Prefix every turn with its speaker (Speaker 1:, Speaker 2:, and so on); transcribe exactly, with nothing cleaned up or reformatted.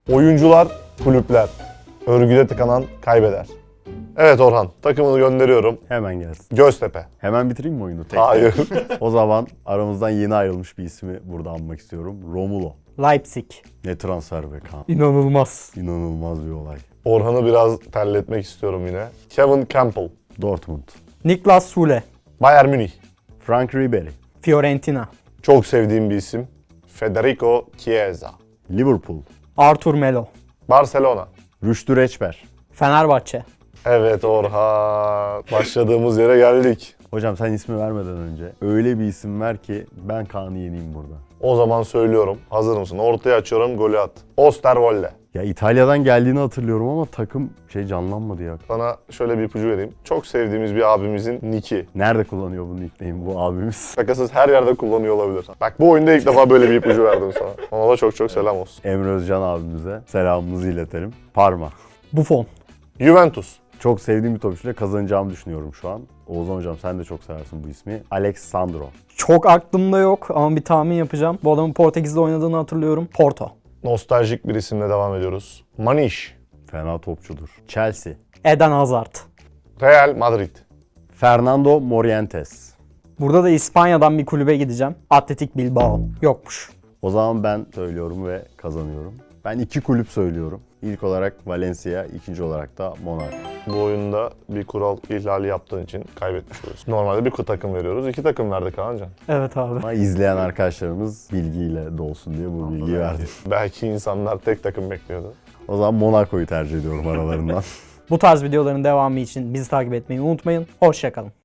Speaker 1: Oyuncular, kulüpler. Örgüde tıkanan kaybeder. Evet Orhan, takımını gönderiyorum.
Speaker 2: Hemen gelsin.
Speaker 1: Göztepe.
Speaker 2: Hemen bitireyim mi oyunu? Tek
Speaker 1: Hayır.
Speaker 2: O zaman aramızdan yeni ayrılmış bir ismi burada anmak istiyorum. Romulo.
Speaker 3: Leipzig.
Speaker 2: Ne transfer be Kaan.
Speaker 3: İnanılmaz.
Speaker 2: İnanılmaz bir olay.
Speaker 1: Orhan'ı biraz terletmek istiyorum yine. Kevin Campbell.
Speaker 2: Dortmund.
Speaker 3: Niklas Sule.
Speaker 1: Bayern Münih.
Speaker 2: Frank Ribery.
Speaker 3: Fiorentina.
Speaker 1: Çok sevdiğim bir isim. Federico Chiesa.
Speaker 2: Liverpool.
Speaker 3: Artur Melo.
Speaker 1: Barcelona.
Speaker 2: Rüştü Reçber.
Speaker 3: Fenerbahçe.
Speaker 1: Evet Orhan. Başladığımız yere geldik.
Speaker 2: Hocam sen ismi vermeden önce öyle bir isim ver ki ben Kaan'ı yeneyim burada.
Speaker 1: O zaman söylüyorum. Hazır mısın? Ortaya açıyorum, golü at. Osterwolde.
Speaker 2: Ya İtalya'dan geldiğini hatırlıyorum ama takım şey canlanmadı ya.
Speaker 1: Sana şöyle bir ipucu vereyim. Çok sevdiğimiz bir abimizin niki.
Speaker 2: Nerede kullanıyor bu nickname bu abimiz?
Speaker 1: Şakasız her yerde kullanıyor olabilir. Bak bu oyunda ilk defa böyle bir ipucu verdim sana. Ona da çok çok selam olsun.
Speaker 2: Emre Özcan abimize selamımızı iletelim. Parma.
Speaker 3: Buffon.
Speaker 1: Juventus.
Speaker 2: Çok sevdiğim bir topçuyla kazanacağımı düşünüyorum şu an. Oğuzhan hocam sen de çok seversin bu ismi. Alex Sandro.
Speaker 3: Çok aklımda yok ama bir tahmin yapacağım. Bu adamın Portekiz'de oynadığını hatırlıyorum. Porto.
Speaker 1: Nostaljik bir isimle devam ediyoruz. Maniş.
Speaker 2: Fena topçudur. Chelsea.
Speaker 3: Eden Hazard.
Speaker 1: Real Madrid.
Speaker 2: Fernando Morientes.
Speaker 3: Burada da İspanya'dan bir kulübe gideceğim. Atletik Bilbao. Yokmuş.
Speaker 2: O zaman ben söylüyorum ve kazanıyorum. Ben iki kulüp söylüyorum. İlk olarak Valencia, ikinci olarak da Monaco.
Speaker 1: Bu oyunda bir kural ihlali yaptığın için kaybetmiş oluyorsun. Normalde bir takım veriyoruz. İki takım verdik Kaancan.
Speaker 3: Evet abi.
Speaker 2: Ama izleyen arkadaşlarımız bilgiyle dolsun diye bu bilgiyi verdim.
Speaker 1: Belki insanlar tek takım bekliyordu.
Speaker 2: O zaman Monaco'yu tercih ediyorum aralarından.
Speaker 3: Bu tarz videoların devamı için bizi takip etmeyi unutmayın. Hoşça kalın.